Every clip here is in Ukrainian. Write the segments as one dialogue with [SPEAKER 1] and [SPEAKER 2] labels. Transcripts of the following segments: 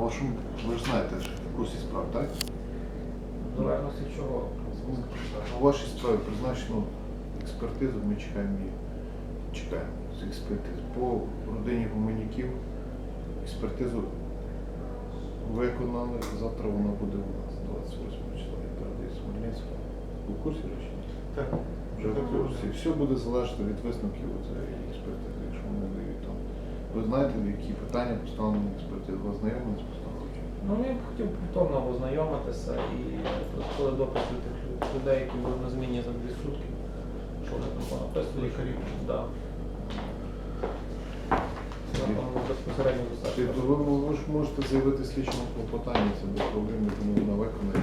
[SPEAKER 1] вашому, ви ж знаєте, в курсі справ, так?
[SPEAKER 2] В залежності чого?
[SPEAKER 1] У вашій справі призначено експертизу, ми чекаємо її. Чекаємо з експертизи. По родині Гуменюків експертизу виконали, завтра вона буде у нас 28 числа. Я передаю Смельницького. Ви в курсі речі?
[SPEAKER 3] Так.
[SPEAKER 1] Вже в курсі. Все буде залежати від висновків цієї експертизи, якщо вони дають там. Ви знаєте, які питання поставлені експертизи? Ви знайомі з постановою?
[SPEAKER 2] Ну, я б хотів повторно ознайомитися і коли допити тих людей, які були на зміні за 2 сутки, що вони там понаписали.
[SPEAKER 3] Лікарів.
[SPEAKER 2] Да. Це там безпосередньо
[SPEAKER 1] Тобто
[SPEAKER 2] достатньо.
[SPEAKER 1] ви ж можете заявити слідчому клопотання, це без проблем, тому вона виконає.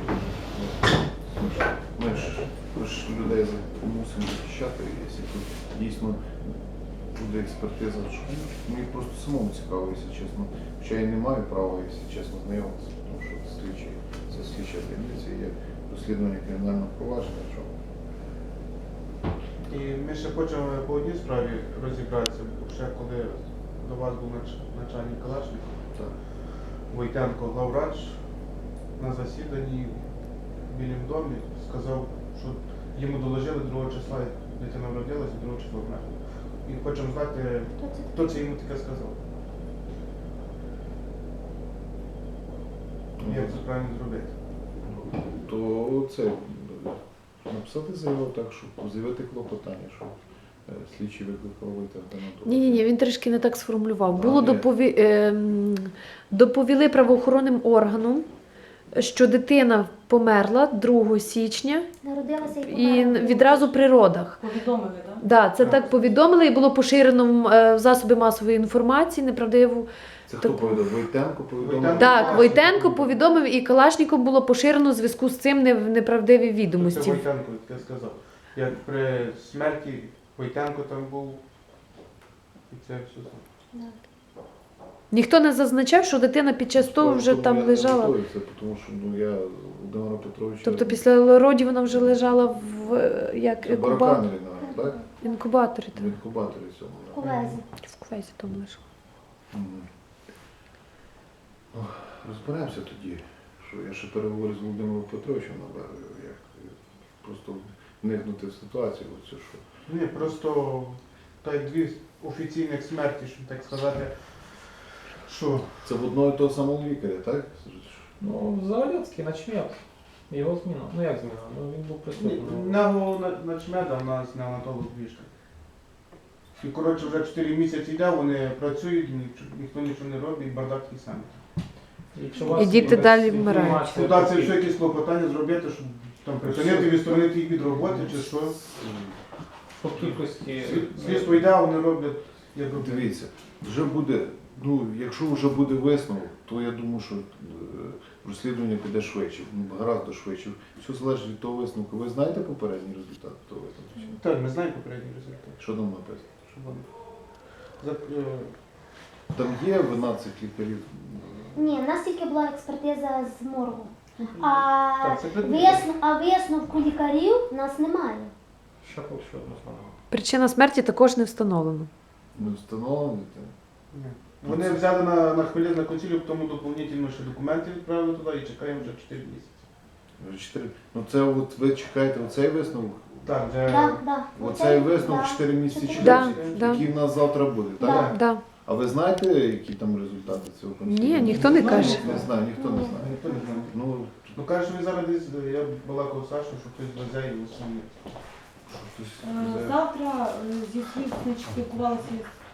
[SPEAKER 1] Ми ж людей мусимо захищати, якщо тут дійсно буде експертиза. Мені просто самому цікаво, якщо чесно. Хоча я не маю права, якщо чесно, знайомитися, тому що це слідча таємниця, є розслідування кримінального провадження. Що...
[SPEAKER 3] І ми ще хочемо по одній справі розібратися, ще коли до вас був начальник Калашников,
[SPEAKER 1] Так.
[SPEAKER 3] Войтенко главврач на засіданні в Білім домі сказав, що йому доложили 2 числа, дитина народилася, 2 числа вмерла. І хочемо знати, хто це йому таке сказав. Як це правильно зробити?
[SPEAKER 1] То це написати заяву так, щоб заявити клопотання, що слідчий викликав Войтенка.
[SPEAKER 4] Ні, він трішки не так сформулював.
[SPEAKER 1] А,
[SPEAKER 4] Було
[SPEAKER 1] ні.
[SPEAKER 4] доповіли правоохоронним органам, що дитина померла 2 січня
[SPEAKER 5] Народилася
[SPEAKER 4] і відразу при родах.
[SPEAKER 6] Повідомили, так?
[SPEAKER 4] Да, це так повідомили і було поширено в засоби масової інформації неправдиву.
[SPEAKER 1] Це хто повідомив? Войтенко повідомив?
[SPEAKER 4] Так, Войтенко повідомив і Калашніков було поширено в зв'язку з цим неправдиві
[SPEAKER 3] Це
[SPEAKER 4] відомості.
[SPEAKER 3] Войтенко таке сказав. Як при смерті Войтенко там був, і це все.
[SPEAKER 4] Ніхто не зазначав, що дитина під час того вже
[SPEAKER 1] Тому
[SPEAKER 4] там
[SPEAKER 1] я не
[SPEAKER 4] лежала.
[SPEAKER 1] готовий це, тому що я Володимира Петровича...
[SPEAKER 4] Тобто після родів вона вже лежала в
[SPEAKER 1] Це барокамері, так?
[SPEAKER 4] інкубаторі.
[SPEAKER 1] В інкубаторі цьому.
[SPEAKER 5] в Ковезі.
[SPEAKER 4] В кувезі там лежала.
[SPEAKER 1] Мгм. Ну, розберемося тоді, що я ще переговорю з Володимиром Петровичем, як просто вникнути в ситуацію. Оцю, що...
[SPEAKER 3] Ні, просто та й 2 офіційних смерті, щоб так сказати, що
[SPEAKER 1] Це в одного і того самого лікаря, так?
[SPEAKER 2] Ну, Заводецький, начмет. Його зміна. Ну як зміна? Ну він був присутній.
[SPEAKER 3] начмеда у нас неонатолог Вішка. І коротше вже 4 місяці йде, вони працюють, ніхто нічого не робить, і бардак і самі.
[SPEAKER 2] Якщо у вас
[SPEAKER 4] І діти
[SPEAKER 2] є
[SPEAKER 4] далі
[SPEAKER 2] інформація
[SPEAKER 4] вмирають.
[SPEAKER 3] Туди
[SPEAKER 2] про
[SPEAKER 3] це
[SPEAKER 2] ті-
[SPEAKER 3] все якісь клопотання зробити, щоб там припинити, відсторонити їх від роботи чи що.
[SPEAKER 2] по кількості...
[SPEAKER 3] Слідство йде, а вони роблять, як роблять.
[SPEAKER 1] Дивіться, вже буде, ну, якщо вже буде висновок, то я думаю, що розслідування піде швидше, гораздо швидше. Все залежить від того висновку. Ви знаєте попередній результат того висновку? чи ні?
[SPEAKER 3] Так, ми знаємо попередній результат.
[SPEAKER 1] Що там написано?
[SPEAKER 3] Щоб вони-
[SPEAKER 1] Там є вина цих лікарів?
[SPEAKER 5] Ні, в нас тільки була експертиза з моргу.
[SPEAKER 3] Так, це
[SPEAKER 5] А висновку лікарів в нас немає.
[SPEAKER 2] Ще одну слова.
[SPEAKER 4] Причина смерті також не встановлена.
[SPEAKER 1] Не встановлені?
[SPEAKER 3] Ні. Вони взяли на хвилин на консилію, тому доповнительно ще документи відправили туди і чекаємо вже 4 місяці.
[SPEAKER 1] Ну це от ви чекаєте оцей висновок?
[SPEAKER 3] Так, вже
[SPEAKER 5] Да.
[SPEAKER 1] Оцей висновок 4 місяці
[SPEAKER 5] Чотири.
[SPEAKER 1] чекаєте,
[SPEAKER 4] Да.
[SPEAKER 1] який в нас завтра буде, так?
[SPEAKER 5] Да.
[SPEAKER 4] Да.
[SPEAKER 1] А ви знаєте, які там результати цього консиліуму?
[SPEAKER 4] Ні, ніхто не каже.
[SPEAKER 1] Не знаю, ніхто не знає.
[SPEAKER 3] ніхто не знає.
[SPEAKER 1] Ну,
[SPEAKER 3] Ну каже, що він зараз десь, я балакав з Сашою, що хтось везе і усуне.
[SPEAKER 1] хтось
[SPEAKER 6] Завтра зі слід спілкувалися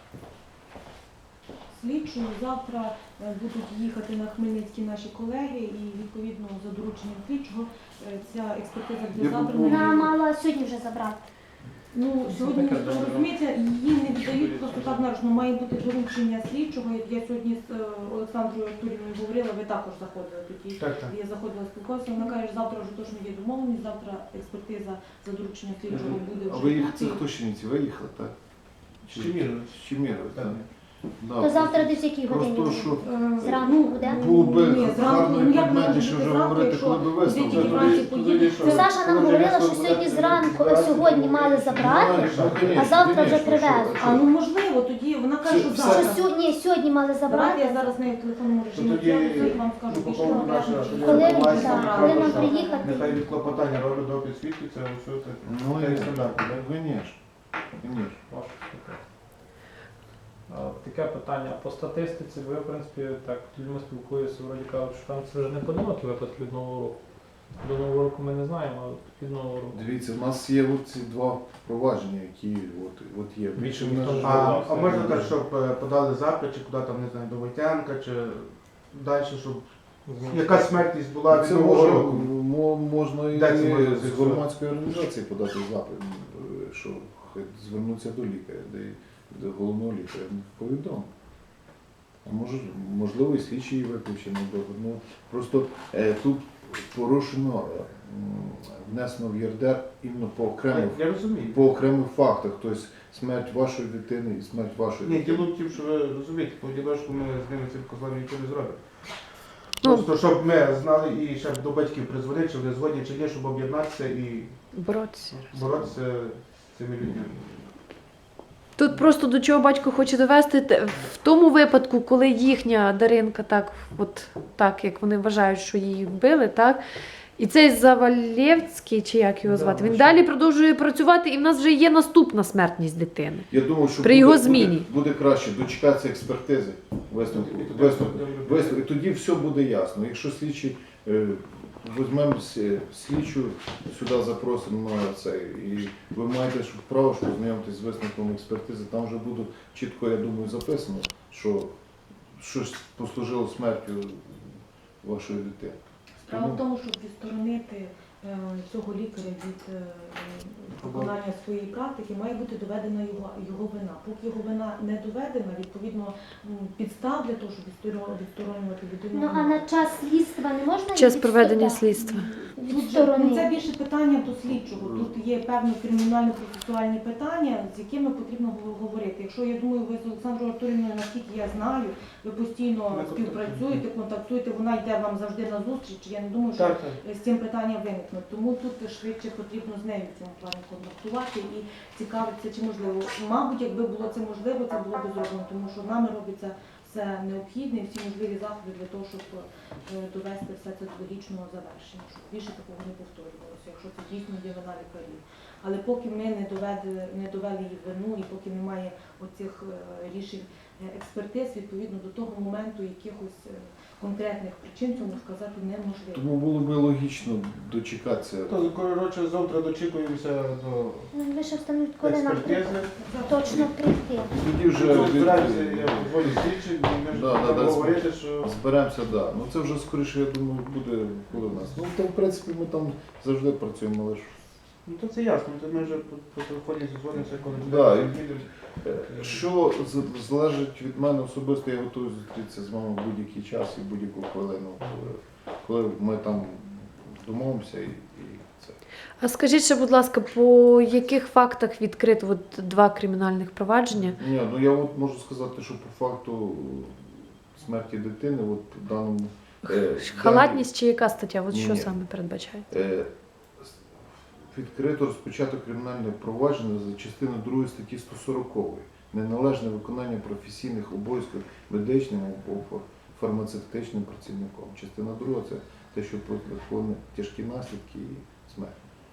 [SPEAKER 6] з слідчою. Завтра будуть їхати на Хмельницький наші колеги і відповідно за дорученням слідчого ця експертиза буде
[SPEAKER 1] Я
[SPEAKER 6] забрана.
[SPEAKER 5] Вона мала сьогодні вже забрати.
[SPEAKER 6] Ну, сьогодні, ніхто не розумієте, її не віддають просто так наручно. Має бути доручення слідчого. Я сьогодні з Олександрою Артурівною говорила, ви також заходили тоді.
[SPEAKER 3] Так.
[SPEAKER 6] Я заходила спілкуватися, вона каже, завтра вже точно є домовленість, завтра експертиза за дорученням слідчого буде
[SPEAKER 1] А
[SPEAKER 6] вже.
[SPEAKER 1] ви їх,
[SPEAKER 6] тут.
[SPEAKER 1] це хто Чернівці? Ви їхали, так?
[SPEAKER 3] Щемірович.
[SPEAKER 1] Щемірович, так. Да,
[SPEAKER 5] То завтра десь якій годині?
[SPEAKER 1] Просто
[SPEAKER 5] буде?
[SPEAKER 1] що
[SPEAKER 5] Зранку буде?
[SPEAKER 1] було би
[SPEAKER 6] Ні, зранку,
[SPEAKER 1] гарно і
[SPEAKER 6] ну, як
[SPEAKER 1] предметніше
[SPEAKER 6] можна
[SPEAKER 1] вже
[SPEAKER 6] зранку,
[SPEAKER 1] говорити,
[SPEAKER 6] якщо
[SPEAKER 1] коли би
[SPEAKER 6] діти
[SPEAKER 1] висновки.
[SPEAKER 6] вранці поїдуть,
[SPEAKER 5] Ну, Саша нам говорила, що сьогодні зранку, сьогодні мали забрати, а завтра вже привезуть.
[SPEAKER 6] А ну можливо, тоді вона каже, що
[SPEAKER 1] Все-
[SPEAKER 5] Що
[SPEAKER 6] завтра.
[SPEAKER 5] сьогодні мали
[SPEAKER 6] Давайте я
[SPEAKER 5] забрати.
[SPEAKER 6] зараз нею в телефонному режимі
[SPEAKER 3] тоді,
[SPEAKER 6] зв'яжуся і вам скажу
[SPEAKER 3] ну,
[SPEAKER 6] більше
[SPEAKER 3] по-моєму,
[SPEAKER 6] конкретно,
[SPEAKER 3] наша-
[SPEAKER 6] чи
[SPEAKER 5] Коли,
[SPEAKER 3] Інформація,
[SPEAKER 5] так,
[SPEAKER 3] правда,
[SPEAKER 5] коли нам
[SPEAKER 3] що
[SPEAKER 5] приїхати?
[SPEAKER 3] Нехай від клопотання роблять допит свідків, це все це.
[SPEAKER 1] Ну,
[SPEAKER 3] Це і стандарти, да?
[SPEAKER 1] звісно.
[SPEAKER 2] Ваше слухання. Таке питання. По статистиці, ви, в принципі, так, з людьми спілкуєтеся, вроді кажуть, що там це вже не поодинокі випадки від Нового року. До Нового року ми не знаємо, але від Нового року.
[SPEAKER 1] Дивіться, в нас є от ці два провадження, які от є.
[SPEAKER 2] Більше
[SPEAKER 1] в
[SPEAKER 2] ніхто
[SPEAKER 1] нас
[SPEAKER 2] не
[SPEAKER 1] же-
[SPEAKER 3] А можна так, щоб подали запит, чи куди там, не знаю, до Войтянка, чи далі, щоб яка смертність була від
[SPEAKER 1] Це
[SPEAKER 3] Нового
[SPEAKER 1] може,
[SPEAKER 3] року?
[SPEAKER 1] можна і
[SPEAKER 3] Де це можна
[SPEAKER 1] з
[SPEAKER 3] з'ясувати?
[SPEAKER 1] громадської організації подати запит, що хай звернуться до лікаря, до головного лікаря. Повідомо. А можливо, і слідчий виключений. Ну, просто тут порушено, внесено в ЄРДР іменно
[SPEAKER 3] Я розумію.
[SPEAKER 1] по окремих фактах. Тобто смерть вашої дитини і смерть вашої
[SPEAKER 3] Ні,
[SPEAKER 1] дитини.
[SPEAKER 3] діло в тім, що ви розумієте, по ділочку ми з ними цим козлами нічого не зробимо.
[SPEAKER 4] Ну.
[SPEAKER 3] Просто щоб ми знали і ще до батьків призвонити, чи вони згодні чи ні, щоб об'єднатися і
[SPEAKER 4] Боротися.
[SPEAKER 3] боротися з цими людьми.
[SPEAKER 4] Тут просто до чого батько хоче довести, в тому випадку, коли їхня Даринка так, от так, як вони вважають, що її вбили, так, і цей Завалєвський, чи як його
[SPEAKER 2] Да,
[SPEAKER 4] звати, він
[SPEAKER 2] що?
[SPEAKER 4] далі продовжує працювати, і в нас вже є наступна смертність дитини.
[SPEAKER 1] Я думаю, що
[SPEAKER 4] При його зміні.
[SPEAKER 1] буде краще дочекатися експертизи, висновку. І тоді все буде ясно. Якщо слідчий, візьмемо слідчу, сюди запросимо на це, і ви маєте право що познайомитись з висновком експертизи, там вже буде чітко, я думаю, записано, що щось послужило смертю вашої дитини.
[SPEAKER 6] Справа в тому, щоб відсторонити цього лікаря від виконання своєї практики, має бути доведена його вина. Поки його вина не доведена, відповідно підстав для того, щоб відсторонювати людину.
[SPEAKER 5] Ну а на час слідства не можна
[SPEAKER 4] Час
[SPEAKER 5] їх
[SPEAKER 4] проведення
[SPEAKER 5] відсторонити?
[SPEAKER 4] слідства.
[SPEAKER 6] Тут же, ну, це
[SPEAKER 5] Відсторонити.
[SPEAKER 6] більше питання до слідчого. Тут є певні кримінально-процесуальні питання, з якими потрібно говорити. Якщо, я думаю, ви з Олександрою Артурівною, наскільки я знаю, ви постійно
[SPEAKER 3] Ми
[SPEAKER 6] співпрацюєте, контактуєте, вона йде вам завжди на зустріч. Я не думаю, що
[SPEAKER 3] Так, так.
[SPEAKER 6] з цим питанням виникне. Тому тут швидше потрібно з нею в цьому плані контактувати і цікавитися, чи можливо. Мабуть, якби було це можливо, це було б зроблено, тому що нами робиться все необхідне і всі можливі заходи для того, щоб довести все це до логічного завершення, щоб більше такого не повторювалося, якщо це дійсно є вина лікарів. Але поки ми не довели її вину і поки немає оцих рішень експертиз, відповідно до того моменту якихось конкретних причин цьому сказати неможливо.
[SPEAKER 1] Тому було б логічно дочекатися.
[SPEAKER 3] То, коротше, завтра дочікуємося до
[SPEAKER 5] Ну, ви ще встановлюють, коли нам
[SPEAKER 3] експертизи.
[SPEAKER 5] точно прийти.
[SPEAKER 1] Тоді вже
[SPEAKER 3] Збираємося, я волю слідчих, і ми ж
[SPEAKER 1] Да, да,
[SPEAKER 3] будемо
[SPEAKER 1] да,
[SPEAKER 3] говорити, що...
[SPEAKER 1] зберемося, да. Ну це вже скоріше, я думаю, буде у нас. Ну там, в принципі, ми там завжди працюємо, але ж
[SPEAKER 3] Ну то це ясно, то ми вже по телефоні зізвонимося, коли
[SPEAKER 1] Да,
[SPEAKER 3] люди
[SPEAKER 1] і-
[SPEAKER 3] їдуть.
[SPEAKER 1] що залежить від мене особисто, я готовий зустрітися з вами в будь-який час і в будь-яку хвилину, коли ми там домовимося і це.
[SPEAKER 4] А скажіть ще, будь ласка, по яких фактах відкрито от 2 кримінальних провадження?
[SPEAKER 1] Ні, ну я от можу сказати, що по факту смерті дитини, от в даному
[SPEAKER 4] Халатність чи яка стаття? От що
[SPEAKER 1] Ні.
[SPEAKER 4] саме передбачає?
[SPEAKER 1] Відкрито розпочато кримінальне провадження за частиною 2 статті 140 неналежне виконання професійних обов'язків медичним або фармацевтичним працівником. Частина 2 це те, що виконує тяжкі наслідки і смерть.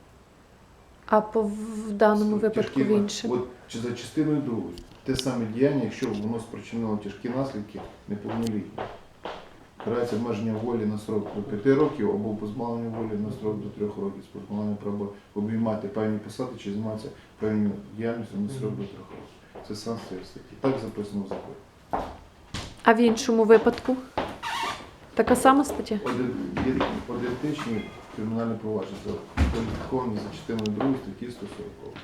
[SPEAKER 4] А в даному випадку в іншому?
[SPEAKER 1] От чи за частиною 2 те саме діяння, якщо воно спричинило тяжкі наслідки неповнолітні. Карається обмеження волі на срок до 5 років або позбавлення волі на срок до 3 років з позбавленням права обіймати певні посади чи займатися певною діяльністю на срок до 3 років. Це санкція статті. Так записано в законі.
[SPEAKER 4] А в іншому випадку? Така сама стаття?
[SPEAKER 1] Ідентичні кримінальні провадження кваліфіковані за частиною 2 статті 140.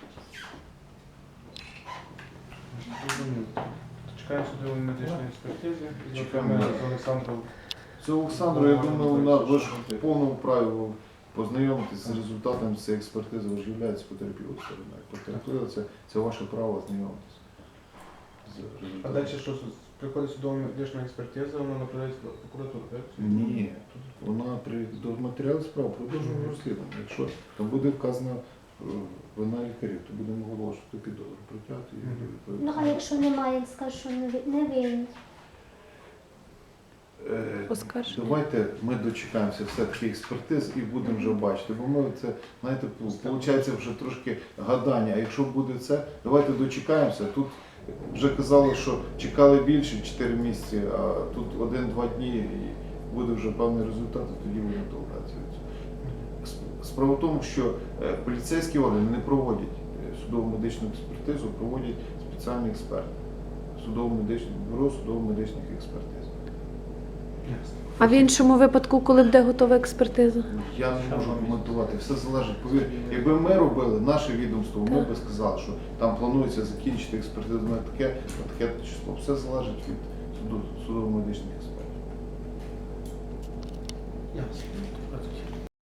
[SPEAKER 3] Зрозуміло. Чекаємо судової медичної експертизи.
[SPEAKER 1] Чекаємо.
[SPEAKER 3] Ми з Олександром.
[SPEAKER 1] Це Олександру, я думаю, ви ж в повному праві познайомитися з результатами цієї експертизи, ви ж являєтесь потерпілою стороною. Потерпіли це ваше право знайомитися за
[SPEAKER 3] А далі що, приходить судова медична експертиза, вона направляється до прокуратури, так?
[SPEAKER 1] Ні, тут вона до матеріалів справ продовжуємо розслідування. Якщо там буде вказана вина лікарів, то будемо оголошувати підозру, притягти і
[SPEAKER 3] Мгм.
[SPEAKER 1] відповідати.
[SPEAKER 5] Ну, а якщо немає, він скаже, що не винні.
[SPEAKER 4] Оскарження.
[SPEAKER 1] Давайте ми дочекаємося все-таки експертиз і будемо вже бачити. Бо ми це, знаєте, виходить вже трошки гадання. А якщо буде це, давайте дочекаємося. Тут вже казали, що чекали більше 4 місяці, а тут 1-2 дні і буде вже певний результат, і тоді будемо толкатися від цього. Справа в тому, що поліцейські органи не проводять судово-медичну експертизу, проводять спеціальні експерти. Бюро судово-медичних експертиз.
[SPEAKER 3] Ясно.
[SPEAKER 4] А в іншому випадку, коли буде готова експертиза?
[SPEAKER 1] Я не можу коментувати, все залежить. Повір, якби ми робили наше відомство, ми б сказали, що там планується закінчити експертизу на таке число. Все залежить від судово-медичних експертів.
[SPEAKER 3] Ясно.